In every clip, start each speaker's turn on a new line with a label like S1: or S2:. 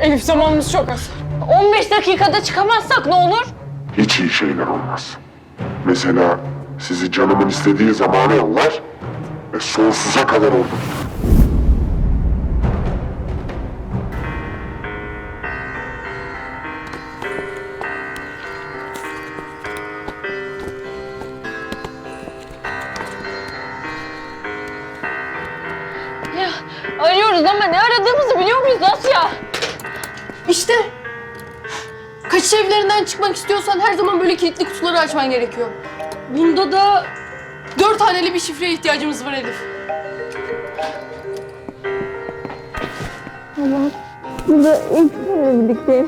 S1: Elif zamanımız çok az.
S2: 15 dakikada çıkamazsak ne olur?
S3: Hiç iyi şeyler olmaz. Mesela sizi canımın istediği zamana yollar ve sonsuza kadar orada tutar.
S2: Ya arıyoruz ama ne aradığımızı biliyor muyuz Asya?
S1: İşte. Kaçış evlerinden çıkmak istiyorsan her zaman böyle kilitli kutuları açman gerekiyor. Bunda da 4 haneli bir şifreye ihtiyacımız var Elif.
S2: Burada ilk seninle birlikteyim.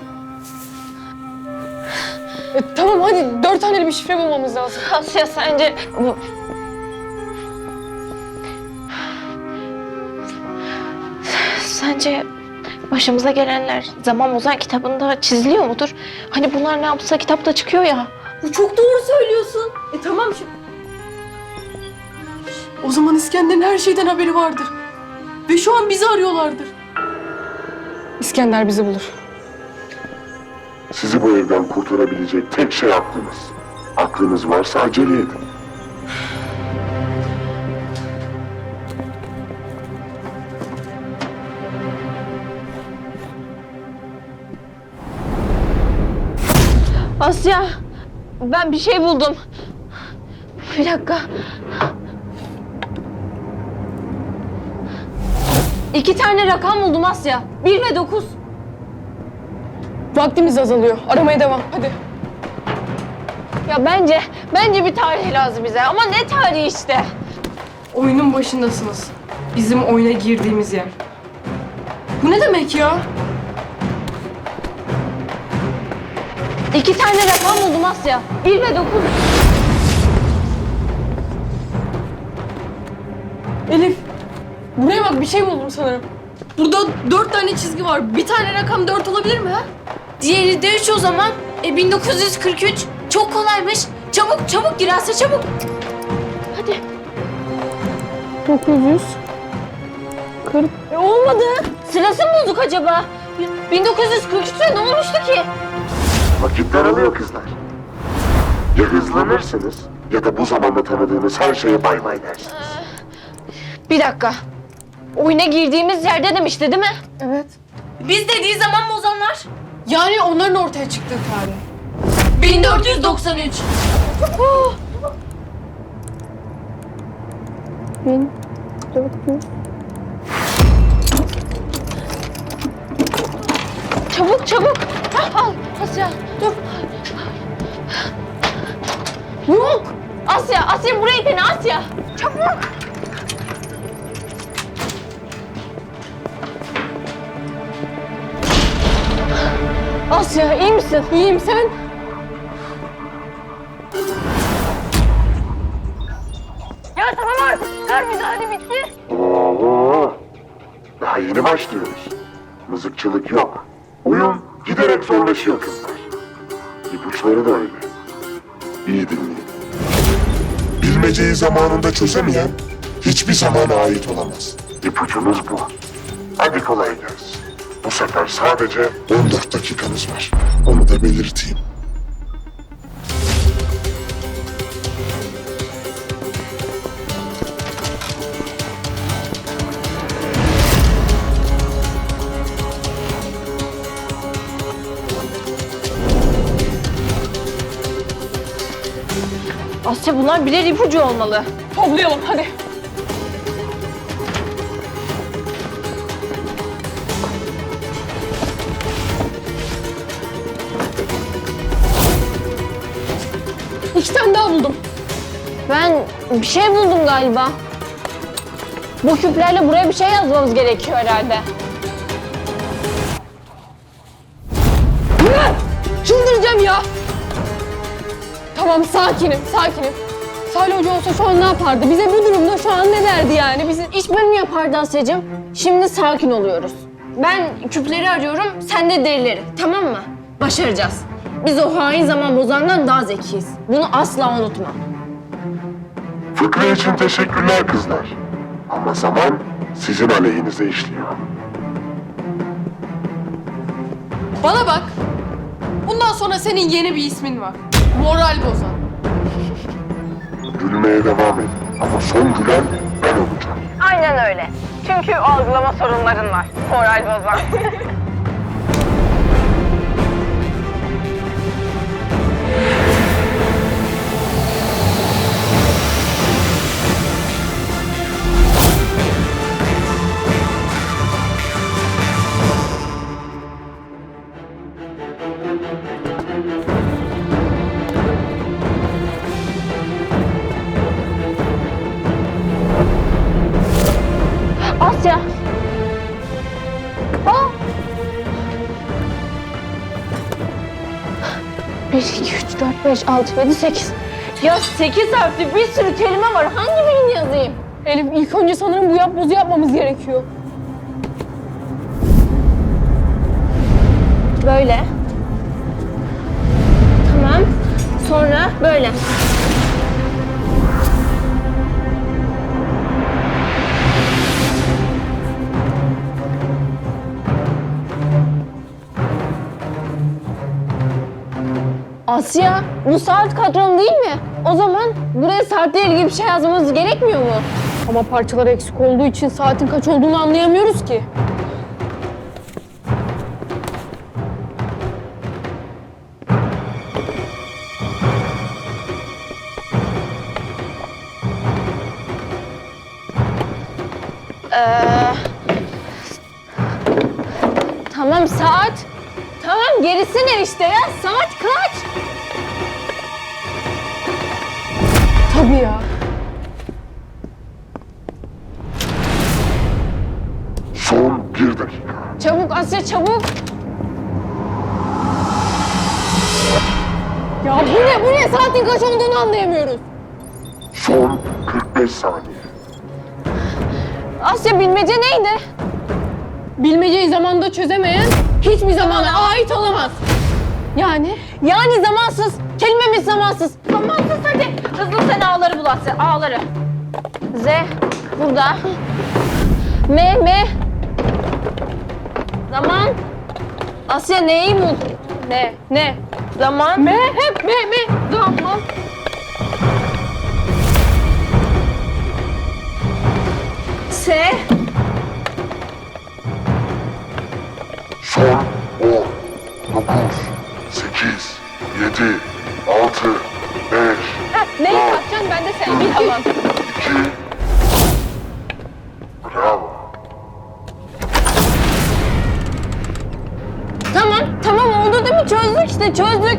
S1: Tamam hadi 4 haneli bir şifre bulmamız lazım.
S2: Asya sence... Sence başımıza gelenler Zaman Ozan kitabında çiziliyor mudur? Hani bunlar ne yapsa kitapta çıkıyor ya.
S1: Çok doğru söylüyorsun. Tamam şimdi. O zaman İskender'in her şeyden haberi vardır. Ve şu an bizi arıyorlardır. İskender bizi bulur.
S3: Sizi bu evden kurtarabilecek tek şey aklınız. Aklınız varsa acele edin.
S2: Asya, ben bir şey buldum. Bir dakika. 2 tane rakam buldum Asya. 1 ve 9.
S1: Vaktimiz azalıyor. Aramaya devam. Hadi.
S2: Ya bence bir tarih lazım bize. Ama ne tarihi işte?
S1: Oyunun başındasınız. Bizim oyuna girdiğimiz yer. Bu ne demek ya?
S2: 2 tane rakam buldum Asya. 1 ve 9.
S1: Elif, buraya bak bir şey buldum sanırım. Burada 4 tane çizgi var. Bir tane rakam 4 olabilir mi ha?
S2: Diğeri de 3 o zaman. 1943. Çok kolaymış. Çabuk gir Asya çabuk. Hadi.
S1: 940.
S2: Olmadı. Sırası mı bulduk acaba? 1943'te ne olmuştu ki?
S3: Vakit daralıyor kızlar. Ya hızlanırsınız ya da bu zamanda tanıdığınız her şeye bay bay dersiniz.
S2: Bir dakika. Oyuna girdiğimiz yerde demişti değil mi?
S1: Evet.
S2: Biz dediği zaman bozanlar.
S1: Yani onların ortaya çıktığı tarih.
S2: 1493.
S1: 1400.
S2: Çabuk. Al Asya dur. Yok. Asya burayı dene Asya. Çabuk. Asya iyi misin?
S1: İyiyim sen?
S2: Ya tamam artık. Kar müdahale bitti.
S3: Oo, daha yeni başlıyoruz. Mızıkçılık yok. Oyun giderek zorlaşıyor kızlar. İpuçları da öyle. İyi dinleyin. Bilmeceyi zamanında çözemeyen hiçbir zamana ait olamaz. İpucumuz bu. Hadi kolay gelsin. Bu sefer sadece 14 dakikanız var. Onu da belirteyim.
S2: Asya bunlar birer ipucu olmalı.
S1: Toplayalım hadi. İki tane daha buldum.
S2: Ben bir şey buldum galiba. Bu küplerle buraya bir şey yazmamız gerekiyor herhalde.
S1: Çıldıracağım ya. Tamam sakinim. Salih Hoca olsa şu an ne yapardı? Bize bu durumda şu an ne derdi yani? Bizi
S2: İş bölümü yapardı Asya'cığım. Şimdi sakin oluyoruz. Ben küpleri arıyorum, sen de derileri. Tamam mı? Başaracağız. Biz o hain zaman bozandan daha zekiyiz. Bunu asla unutma.
S3: Fıkra için teşekkürler kızlar. Ama zaman sizin aleyhinize işliyor.
S1: Bana bak. Bundan sonra senin yeni bir ismin var. Moral bozan.
S3: Gülmeye devam et. Ama son gülen ben olacağım.
S2: Aynen öyle. Çünkü algılama sorunların var. Moral bozan. Asya. Aa. 1, 2, 3, 4, 5, 6, 7, 8. Ya 8 harfli bir sürü kelime var. Hangi birini yazayım?
S1: Elif ilk önce sanırım bu yapbozu yapmamız gerekiyor.
S2: Böyle. Tamam. Sonra böyle. Asya, bu saat kadronu değil mi? O zaman buraya saatle ilgili bir şey yazmamız gerekmiyor mu?
S1: Ama parçalar eksik olduğu için saatin kaç olduğunu anlayamıyoruz ki.
S2: Tamam saat. Tamam gerisi ne işte ya? Saat kaç?
S1: Tabii ya.
S3: Son 1 dakika.
S2: Çabuk Asya çabuk.
S1: Ya bu ne? Saatin kaç olduğunu anlayamıyoruz.
S3: Son 45 saniye.
S2: Asya bilmece neydi?
S1: Bilmeceyi zamanda çözemeyen hiçbir zamana ait olamaz. Yani
S2: Yani zamansız. Kelimemiz zamansız. Zamansız hadi. Hızlı sen A'ları bul Asya. A'ları. Z burada. M. Zaman. Asya neyi bul?
S1: ne?
S2: Zaman.
S1: Hep me. Zaman.
S2: S.
S3: Son 10, 9, 8, 7, 6, 5,
S1: Neyi yapacaksın? Ben de seni bir tamam.
S3: 2. Bravo.
S2: Tamam oldu değil mi? Çözdük işte çözdük.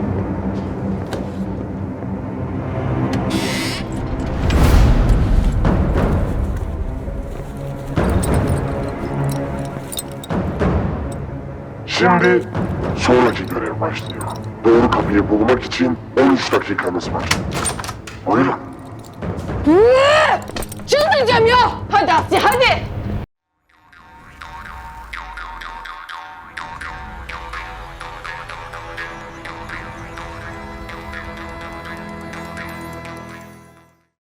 S3: Şimdi sonraki görev başlıyor. Doğru kapıyı bulmak için 13 dakikanız var. Buyurun.
S1: Çıldıracağım ya.
S2: Hadi Asya hadi.